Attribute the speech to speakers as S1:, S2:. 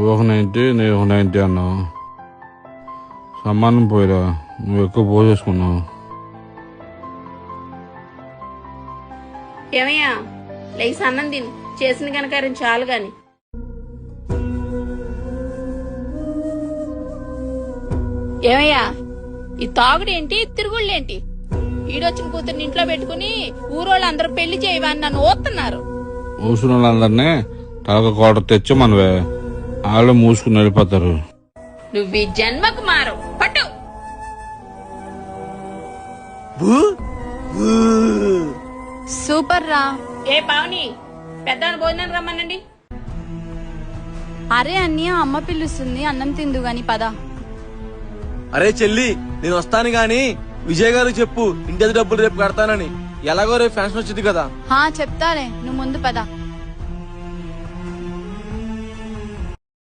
S1: ఒక 90 నేను ఒక 90 అన్నావు. సమానం పోయిరా, నువ్వు ఎక్కువ పోసేసుకున్నావు.
S2: ఏమయ్యా లేచి అన్నం తిని చేసిన కనకారం చాలు గాని. ఏమయ్యా ఈ తాగుడేంటి తిరుగుళ్ళేంటి? ఈడొచ్చిన కూతుర్ని ఇంట్లో పెట్టుకుని ఊరోళ్ళు అందరూ పెళ్లి చేయవని నన్ను ఓస్తున్నారు.
S1: మూసిన వాళ్ళందరినీ తలక కోట తెచ్చి మనవే వాళ్ళు మూసుకుని వెళ్ళిపోతారు.
S2: నువ్వు ఈ జన్మకు మారు పట్టు.
S3: సూపర్ రా.
S2: ఏ పావని పెద్దాన్ని భోజనం రమ్మనండి.
S3: అరే అన్నయ్య అమ్మ పిలుస్తుంది, అన్నం తిందు గాని పద.
S4: అరే చెల్లి నేను వస్తాను గాని విజయ్ గారు చెప్పు ఇంటి డబ్బులు రేపు కడతానని. ఎలాగో రేపు ఫ్యాన్షన్ వచ్చింది కదా.
S3: చెప్తాలే, నువ్వు ముందు పద.